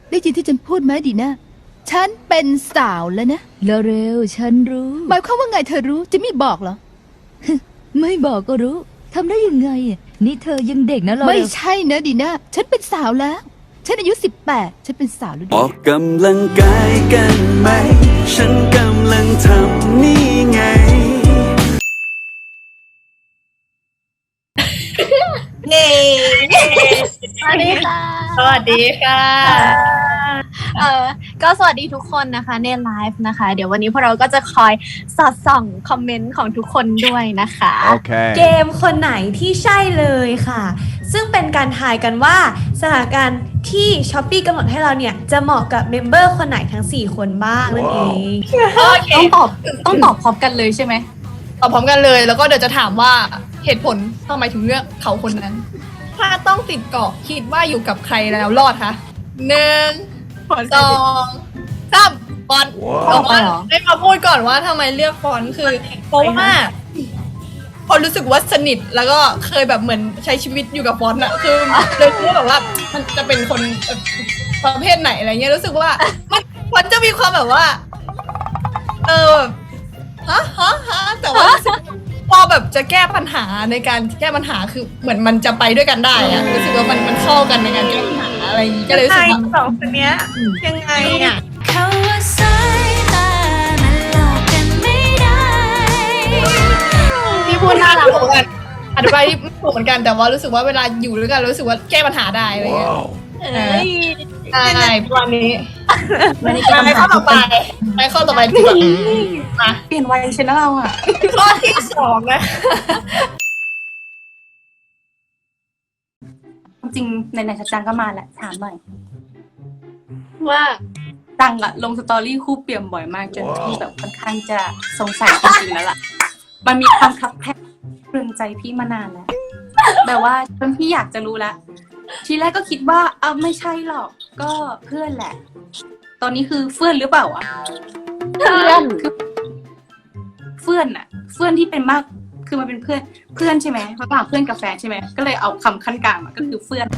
ได้ยินที่ฉันพูดไหมดีนะฉันเป็นสาวแล้วนะเร็วๆฉันรู้หมายความว่าไงเธอรู้จะไม่บอกเหรอไม่บอกก็รู้ทำได้ยังไงนี่เธอยังเด็กนะเราไม่ใช่นะดีนะฉันเป็นสาวแล้วฉันอายุ18ฉันเป็นสาวแล้วออกกำลังกายกันไหมฉันกำลังทำนี่ไงเย้สวัสดีค่ะสวัสดีค่ะก็สวัสดีทุกคนนะคะในไลฟ์นะคะ เดี๋ยววันนี้พวกเราก็จะคอยสอดส่องคอมเมนต์ของทุกคนด้วยนะคะเกมคนไหนที่ใช่เลยค่ะ ซึ่งเป็นการทายกันว่าสถานการณ์ที่ช้อปปี้กำหนดให้เราเนี่ยจะเหมาะกับเมมเบอร์คนไหนทั้ง4คนบ้างนั่นเองโอเคต้องตอบพร้อมกันเลยใช่ไหมตอบพร้อมกันเลย แล้วก็เดี๋ยวจะถามว่าเหตุผลทำไมถึงเลือกเขาคนนั้น ถ้าต้องติดเกาะคิดว่าอยู่กับใครแล้วรอดคะ1 2 3ฟอนต์แต่ว่าได้มาพูดก่อนว่าทำไมเลือกฟอนต์คือเพราะว่าพอรู้สึกว่าสนิทแล้วก็เคยแบบเหมือนใช้ชีวิตอยู่กับฟอนต์อะคือเลยรู้แบบว่ามันจะเป็นคนประเภทไหนอะไรเงี้ยรู้สึกว่ามันจะมีความแบบว่าฮะแต่ว่าพอแบบจะแก้ปัญหาในการแก้ปัญหาคือเหมือนมันจะไปด้วยกันได้อะรู้สึกว่ามันเข้ากันในการแก้ปัญหาอะไรอย่างงี้ก็เลยรู้สึกว่าสองคนเนี้ยยังไงอ่ะเขาว่าสายตามันหลอกกันไม่ได้ที่พูดน่ารักเหมือนกันอธิบายที่ไม่ถูกเหมือนกันแต่ว่ารู้สึกว่าเวลาอยู่ด้วยกันรู้สึกว่าแก้ปัญหาได้อะไรเงี้ยใช่ประมาณนี้ไปข้อต่อไปดีกว่ามาเปลี่ยนวัยชนะเราอ่ะข้อที่2นะจริงในไหนๆจังก็มาแหละถามหน่อยว่าจังอะลงสตอรี่คู่เปี่ยมบ่อยมากจนพี่แบบค่อนข้างจะสงสัยจริงๆแล้วล่ะ มันมีความคลับแคบเรืองใจพี่มานานแล้วแบบว่าจนพี่อยากจะรู้แล้วทีแรกก็คิดว่าไม่ใช่หรอกก็เพื่อนแหละ ตอนนี้คือเพื่อนหรือเปล่าอะเพื่อนคือเพื่อนอะเพื่อนที่เป็นมากคือมันเป็นเพื่อนใช่ไหมระหว่างเพื่อนกับแฟนใช่ไหมก็เลยเอาคำขั้นกลางมาก็คือเพื่อน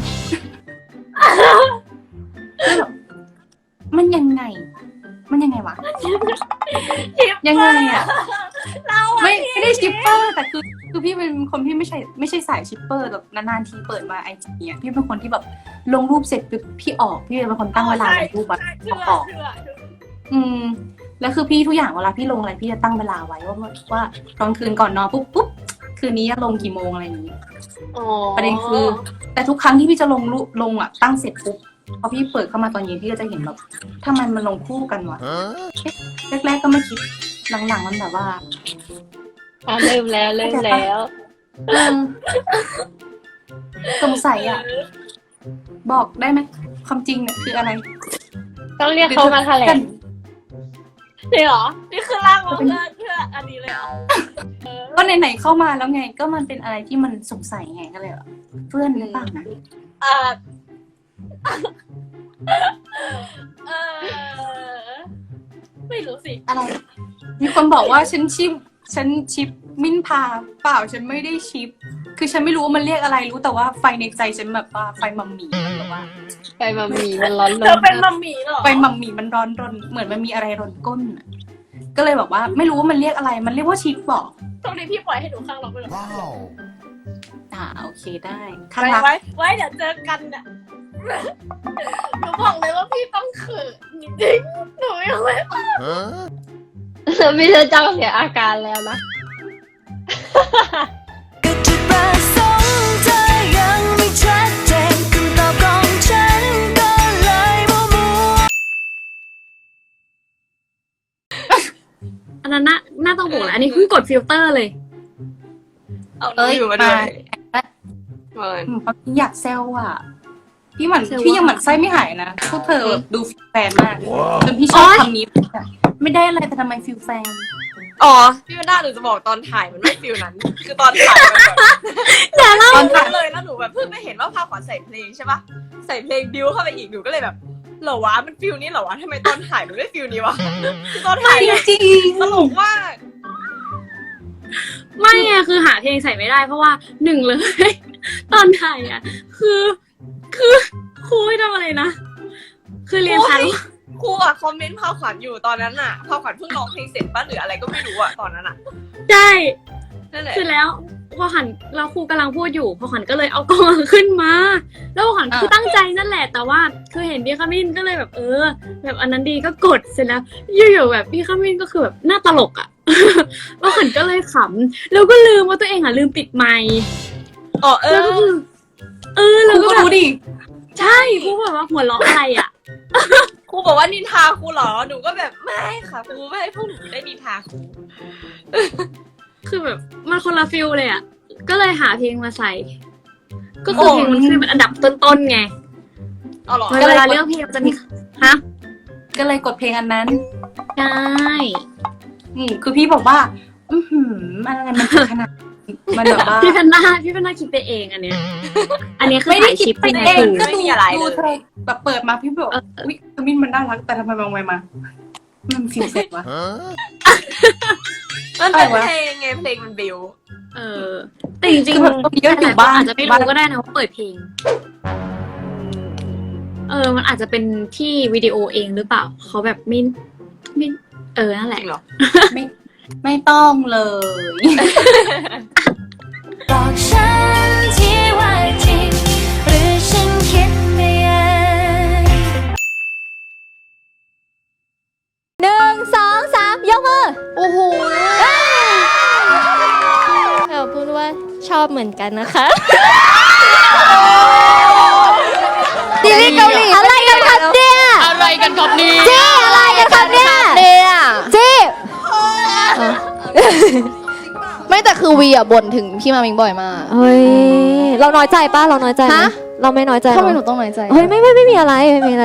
มันยังไงวะ ยังไงอ่ะไม่ได้ชิปเปอร์แต่คือพี่เป็นคนที่ไม่ใช่สายชิปเปอร์แบบนานๆทีเปิดมาไอจีเนี่ยพี่เป็นคนที่แบบลงรูปเสร็จปุ๊บพี่ออกพี่เป็นคนตั้งเวลาลงรูปแบบออกแล้วคือพี่ทุกอย่างเวลาพี่ลงอะไรพี่จะตั้งเวลาไว้ว่าตอนคืนก่อนนอนปุ๊บคืนนี้จะลงกี่โมงอะไรอย่างนี้ประเด็นคือแต่ทุกครั้งที่พี่จะลงอ่ะตั้งเสร็จปุ๊บพอพี่เปิดเข้ามาตอนเย็นพี่ก็จะเห็นแบบทำไมมันลงคู่กันวะแรกๆก็ไม่คิดหลังๆมันแบบว่าเริ่มแล้วสงสัยอ่ะบอกได้ไหมความจริงเนี่ยคืออะไรต้องเรียกเขามาแถลงนี่หรอนี่คือร่างของเพื่ออันนี้เลยเหรอก็ไหนๆเข้ามาแล้วไงก็มันเป็นอะไรที่มันสงสัยไงก็เลยเพื่อนหรือเปล่านะไม่รู้สิอะไรมีคนบอกว่าฉันชิปมิ้นพาเปล่าฉันไม่ได้ชิปคือฉันไม่รู้ว่ามันเรียกอะไรรู้แต่ว่าไฟในใจฉันแบบว่าไฟมัมมี่แบบว่าไฟมัมมี่มันร้อนรนเธอเป็นมัมมี่เหรอไฟมัมมี่มันร้อนรนเหมือนมันมีอะไรรนก้นก็เลยบอกว่าไม่รู้ว่ามันเรียกอะไรมันเรียกว่าชิปบอกตรงนี้พี่ปล่อยให้หนูข้างเราไปเลยโอเคได้ข้างรักไว้เดี๋ยวเจอกันอ่ะหนูบอกเลยว่าพี่ต้องเขินจริงหนูยังไม่พี่เธอจ้างเสียอาการแล้วนะก็จุดประสงค์เธอยังไม่ชัดเจนคำตอบของฉันก็เลยมัวอันนั้นน่าต้องบอกแหละอันนี้เพิ่งกดฟิลเตอร์เลยอยู่มาด้วยอยากแซวอ่ะพี่ยังหมั่นไส้ไม่หายนะพวกเธอดูฟิลแฟนมากจนพี่ชอบคำนี้ไม่ได้อะไรแต่ทำไมฟิลแฟนพี่วันด้าหนูจะบอกตอนถ่ายมันไม่ฟิลนั้น คือตอนถ่ายมันแบบตอนถ่ายเลยแล้วหนูแบบเพิ่งไม่เห็นว่าภาพขวัญใส่เพลงใช่ปะใส่เพลงบิวเข้าไปอีกหนูก็เลยแบบเหรอวะมันฟิลนี้เหรอวะทำไมตอนถ่ายมันไม่ฟิลนี้วะตอนถ่ายจริงตลกมากไม่ไงคือหาเพลงใส่ไม่ได้เพราะว่าหนึ่งเลยตอนถ่ายอ่ะคือครูให้ทำอะไรนะคือเรียนชั้นครูอะคอมเมนต์พาขวัญอยู่ตอนนั้นอะพาขวัญเพิ่งร้องเพลงเสร็จป่ะหรืออะไรก็ไม่รู้อะตอนนั้นอะใช่นั่นแหละคือแล้วพอหันเราครูกำลังพูดอยู่พอหันก็เลยเอากล้องขึ้นมา แล้วหันคือตั้งใจนั่นแหละ แต่ว่าคือเห็นพี่ขมิ้นก็เลยแบบแบบอันนั้นดีก็กดเสร็จแล้วอยู่ๆแบบพี่ขมิ้นก็คือแบบหน้าตลกอ่ะ แล้วหันก็เลยขำแล้วก็ลืมว่าตัวเองอ่ะลืมปิดไมค์อ๋อแล้วก็คือแล้วก็รู้ดิใช่ครูแบบว่าหัวเราะอะไรอ่ะครูบอกว่านินทาครูเหรอหนูก็แบบไม่ค่ะครูไม่ให้พวกหนูได้นินทาครูคือแบบมันคนละฟิลเลยอ่ะก็เลยหาเพลงมาใส่ ก็คือเพลงมันขึ้นเป็นอันดับต้นๆไงเอาหรอเวลาเลือกเพลงมันจะมีฮะก็เลยกดเพลงอันนั้นใช่คือพี่บอกว่า อะไรมันจะขนาดมันแบบว่าพี่แพนด้าคิดไปเองอันเนี้ย อันนี้คือไม่ได้ถ่ายคิชิดปไปไปเองในก็ไม่มีอะไรดูเลยเธอแบบเปิดมาพี่บอกอุ๊ยขมิ้นมันน่ารักแต่ทำไมมองไปมามันฟิลเสร็จวะมันเป็นเพลงไงเพลงมันบิวแต่จริงคือแบบเยอะอยู่บ้านอาจจะไม่รู้ก็ได้นะว่าเปิดเพลง มันอาจจะเป็นที่วิดีโอเองหรือเปล่าเขาแบบไม่นั่นแหจละริงเหรอไม่ต้องเลยบอกฉันที่ว่าจริงหรือฉันคิดไปเอง 1 2 3 ยกมือ โอ้โหเราพูดว่าชอบเหมือนกันนะคะซีรีส์เกาหลีอะไรกันครับเนี่ยอะไรกันครับนี่เจ๊อะไรกันครับเนี่ยเจ๊ไม่แต่คือวีอ่ะบ่นถึงพี่มามิงบ่อยมากเฮ้ยเราน้อยใจป่ะเราน้อยใจไหมฮะเราไม่น้อยใจทำไมหนูต้องน้อยใจเฮ้ยไม่มีอะไรไม่มีอะไร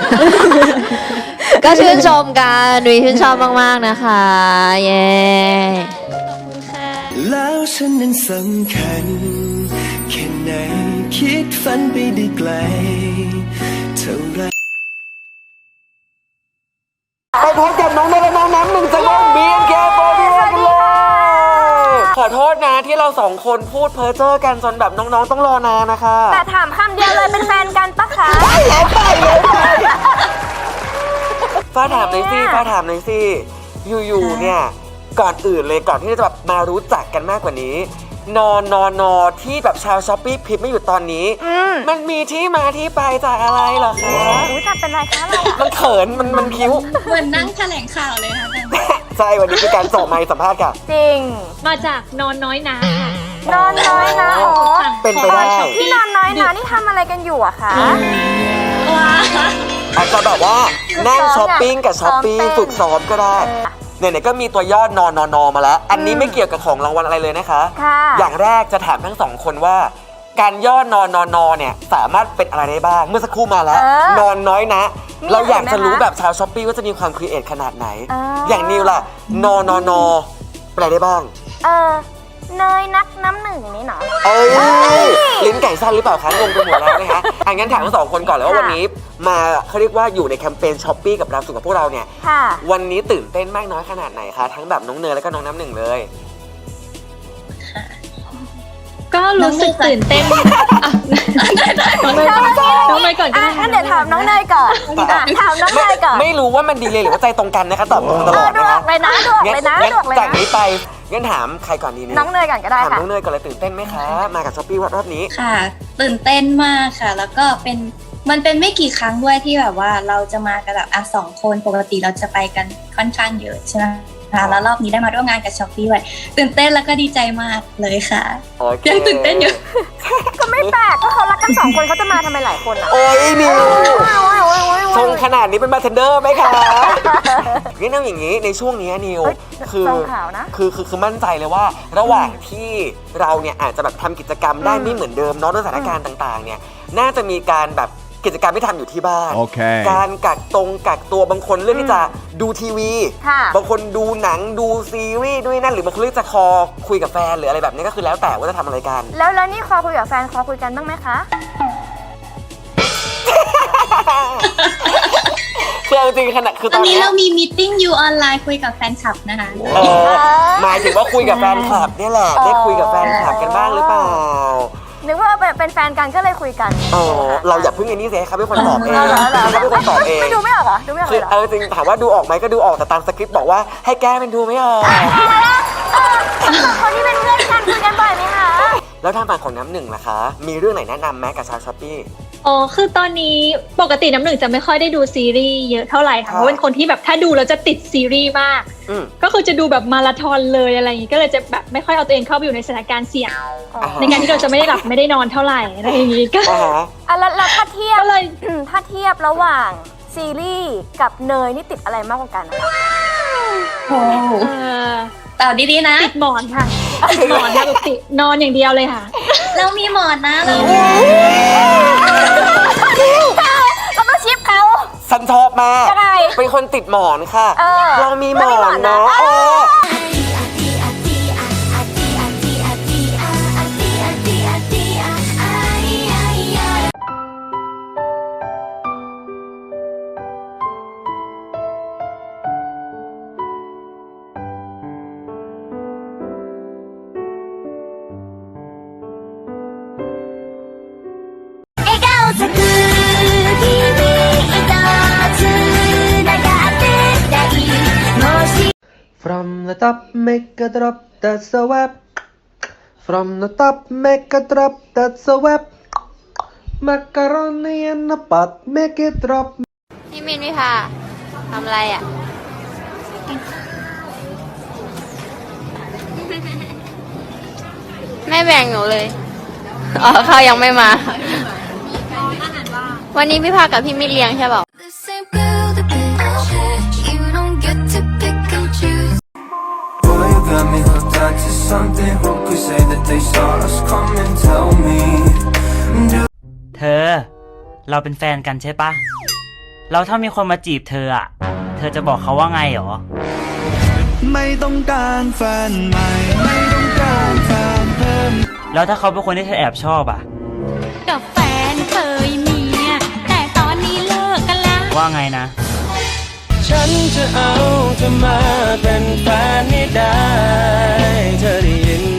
ก็ชื่นชมกันดุยชื่นชอบมากๆนะคะเย้ขอบคุณค่ะแล้วฉันนั้นสำคัญแค่ไหนคิดฝันไปได้ไกลเท่าไรไปพบกับน้องเนยและน้องน้ำหนึ่งจากวง BNK48 กันเลยขอโทษนะที่เราสองคนพูดเพ้อเจ้อกันจนแบบน้องๆต้องรอนานนะคะแต่ถามคำเดียวเลยเป็นแฟนกันปะคะฟ้าถามหน่อยสิฟ้าถามหน่อยสิอยู่ๆเนี่ยก่อนอื่นเลยก่อนที่จะแบบมารู้จักกันมากกว่านี้นที่แบบชาวช้อปปี้พิมพ์ไม่อยู่ตอนนี้ มันมีที่มาที่ไปจากอะไรเหรอคะอุ้ยทำเป็นไรคะเรามันเขินมันคิ้วเหมือนนั่งแถลงข่าวเลยค่ะใช่วันนี้คือการส่งไมค์สัมภาษณ์ค่ะจริงมาจากนอนน้อยนะนอนน้อยนะอ๋อเป็นไปได้พี่นอนน้อยนะนี่ทำอะไรกันอยู่อะคะอาจจะแบบว่านั่งช้อปปิ้งกับช้อปปี้ฝึกซ้อมก็ได้เนี่ยก็มีตัวย่อนอนมาแล้ว อันนี้ไม่เกี่ยวกับของรางวัลอะไรเลยนะคะค่ะอย่างแรกจะถามทั้งสองคนว่าการย่อนเนี่ยสามารถเป็นอะไรได้บ้างเมื่อสักครู่มาแล้ว นอนน้อยนะ เราอยากจะรู้แบบชาวช้อปปี้ว่าจะมีความครีเอทขนาดไหน อย่างนิวล่ะนเป็นอะไรได้บ้างเนยนักน้ำหนึ่งนี่เนาะเอ้ยลิ้นไก่สั้นหรือเปล่าคะงงไปหมดแล้วนะคะงั้นถามทั้งสองคนก่อนเลยว่าวันนี้มาเขาเรียกว่าอยู่ในแคมเปญช้อปปี้กับเราสู่กับพวกเราเนี่ยค่ะวันนี้ตื่นเต้นมากน้อยขนาดไหนคะทั้งแบบน้องเนยแล้วก็น้องน้ำหนึ่งเลยก็รู้สึกตื่นเต้นน้องเนยก่อนก็ได้งั้นเดี๋ยวถามน้องเนยก่อนถามน้องเนยก่อนไม่รู้ว่ามันดีเลยหรือว่าใจตรงกันนะคะตอบตรงตลอดดนะวคะกเลยนะดวกเลยนะงั้นดวกเลยจากนะนี้ไปงั้นถามใครก่อนดีเนี่ยน้องเนยก่อนก็ได้ถามค่ะน้องเนยก่อนเลยตื่นเต้นไหมคะมากับช้อปปี้รอบนี้ค่ะ ตื่นเต้นมากค่ะ แล้วก็มันเป็นไม่กี่ครั้งด้วยที่แบบว่าเราจะมากันแบบ2 คนปกติเราจะไปกันค่อนข้างเยอะใช่ไหมคะแล้วรอบนี้ได้มาร่วมงานกับช้อปปี้ด้วยตื่นเต้นแล้วก็ดีใจมากเลยค่ะโอเคยังตื่นเต้นอยู่ก็ไม่แปลกก็เขารักกัน2 คนเขาจะมาทำไมหลายคนอ่ะโอ้ยนิวชงขนาดนี้เป็นบาร์เทนเดอร์ไหมคะงั้นเอาอย่างนี้ในช่วงนี้นิวคือมั่นใจเลยว่าระหว่างที่เราเนี่ยอาจจะแบบทำกิจกรรมได้ไม่เหมือนเดิมเนาะด้วยสถานการณ์ต่างๆเนี่ยน่าจะมีการแบบกิจกรรมที่ทำอยู่ที่บ้าน การกักตัวบางคนเลือกที่จะดูทีวี บางคนดูหนังดูซีรีส์ด้วยนั่นหรือบางคนเลือกจะคอคุยกับแฟนหรืออะไรแบบนี้ก็คือแล้วแต่ว่าจะทำอะไรกันแล้วนี่คอคุยกับแฟนคอคุยกันบ้างไหมคะคือจริงขนาดคือตตออน นนี้นี้เรามีมีตติ้งอยู่ออนไลน์คุยกับแฟนคลับนะคะหมายถึงว่าคุยกับแฟนคลับเนี่ยแหละได้คุยกับแฟนคลับกันบ้างหรือเปล่านึกว่าแบบเป็นแฟนกันก็เลยคุยกันอ๋อเราอย่าเพิ่งไอ้นี่สิให้เขาเป็นคนตอบเองเขาเป็นคนตอบเองไม่ดูไม่ออกเหรอดูไม่ออกคือเหรอจริงถามว่าดูออกไหมก็ดูออกแต่ตามสคริปต์บอกว่าให้แก้เป็นดูไม่ออกคนที่เป็นเพื่อนกันคุยกันบ่อยไหมคะแล้วทางฝั่งของน้ำหนึ่งล่ะคะ มีเรื่องไหนแนะนำไหมกับชาวช้อปปี้อ๋อคือตอนนี้ปกติน้ำหนึ่งจะไม่ค่อยได้ดูซีรีส์เยอะเท่าไหร่ค่ะเพราะเป็นคนที่แบบถ้าดูแล้วจะติดซีรีส์มากก็คือจะดูแบบมาราธอนเลยอะไรอย่างงี้ก็เลยจะแบบไม่ค่อยเอาตัวเองเข้าไปอยู่ในสถานการณ์เสี่ยงในการที่เราจะไม่ได้หลับไม่ได้นอนเท่าไหร่อะไรอย่างงี้ก็แล้วถ้าเทียบถ้าเทียบระหว่างซีรีส์กับเนยนี่ติดอะไรมากกว่ากันโอ้ตอบดีๆนะติดหมอนค่ะติดหมอนค่ะปกตินอนอย่างเดียวเลยค่ะเรามีหมอนนะเราต้องชิปเขาฉันชอบมากเป็นคนติดหมอนค่ะเรามีหมอนเนาะ From the top, make a drop, that's a web. From the top, make a drop, that's a web. Macaroni in a pot, make it drop. พี่มินพี่พาทำอะไรอ่ะ ไม่แบ่งหนูเลย อ๋อเขายังไม่มา วันนี้พี่พากับพี่มินเลี้ยงใช่เปล่า Boy, you got me hooked onto something. Who could say that they saw us coming? Tell me. เธอ เราเป็นแฟนกันใช่ปะแล้วถ้ามีคนมาจีบเธออะเธอจะบอกเขาว่าไงหรอไม่ต้องการแฟนใหม่ ไม่ต้องการแฟนเพิ่มแล้วถ้าเขาเป็นคนที่เธอแอบชอบอะกับแฟนเคยมีแต่ตอนนี้เลิกกันแล้วว่าไงนะฉันจะเอาเธอมาเป็นแฟนให้ได้ เธอได้ยิน